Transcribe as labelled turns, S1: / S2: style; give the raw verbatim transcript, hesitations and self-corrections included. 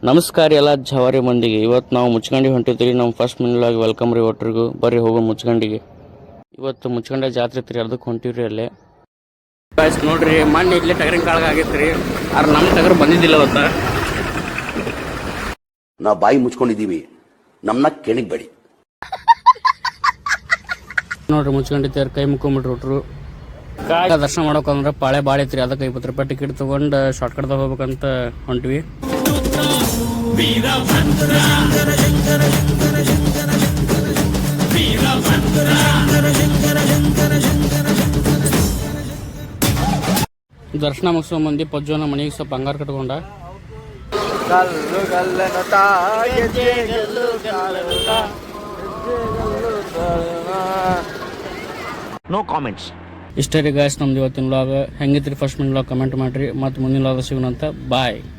S1: ನಮಸ್ಕಾರ ಎಲ್ಲ ಜವಾರಿ ಮಂದಿಗೆ. ಇವತ್ತು ನಾವು ಮುಚ್ಕಂಡಿ ಹೊಂಟಿದ್ರಿ. ನಮ್ಮ ಫಸ್ಟ್ ಮಿನ್ಲಾಗಿ ವೆಲ್ಕಮ್ ರೀ ಒಟ್ರಿಗೂ. ಬರ್ರಿ ಹೋಗೋ ಮುಚ್ಕಂಡಿಗೆ. ಇವತ್ತು ಮುಚ್ಕಂಡ ಜಾತ್ರೆ ಐತ್ರಿ, ಅದಕ್ಕೆ ಹೊಂಟಿವ್ರಿ ಅಲ್ಲೇ. ಗಾಯ್ಸ್ ನೋಡ್ರಿ, ಮಣ್ಣು ಇಲ್ಲೇ ಟಗರಿನ ಕಾಳಗ ಆಗೈತೆ ರೀ. ಆದ್ರೆ ನಮ್ಮ ಟಗರು ಬಂದಿದ್ದಿಲ್ಲ ಅವತ್ತ.
S2: ನಾವು ಬಾಯಿ ಮುಚ್ಕೊಂಡಿದ್ದೀವಿ, ನಮ್ಮನ್ನ ಕೆಣಿಗ್ಬೇಡಿ.
S1: ನೋಡ್ರಿ ಮುಚ್ಕೊಂಡಿದ್ದಾರೆ, ಕೈ ಮುಕ್ಕೊಂಬಿಟ್ರು ಒಟ್ರು. ಕಾಳ ದರ್ಶನ ಮಾಡೋಕಂದ್ರೆ ಪಾಳೆ ಭಾಳ ಐತ್ರಿ. ಅದಕ್ಕೆ ಇಪ್ಪತ್ತು ರೂಪಾಯಿ ಟಿಕೆಟ್ ತೊಗೊಂಡು ಶಾರ್ಟ್ ಕಟ್ದಾಗ ಹೋಗ್ಬೇಕಂತ ಹೊಂಟ್ವಿ. ದರ್ಶನ ಮುಗಿಸೋ ಮಂದಿ ಪಜ್ಜೋನ ಮನೆಗೆ ಸ್ವಲ್ಪ ಬಂಗಾರ ಕಟ್ಕೊಂಡ.
S2: No comments.
S1: ಇಷ್ಟೇ ರೀ ಗಾಯ್ಸ್ ನಮ್ದು ಇವತ್ತಿನ ವ್ಲಾಗ್. ಹೆಂಗಿತ್ರಿ ಫಸ್ಟ್ ಮಿನ್ ವ್ಲಾಗ್ ಕಮೆಂಟ್ ಮಾಡಿರಿ. ಮತ್ತು ಮುಂದಿನ ವ್ಲಾಗ್ ಸಿಗೋಣಂತ. ಬಾಯ್.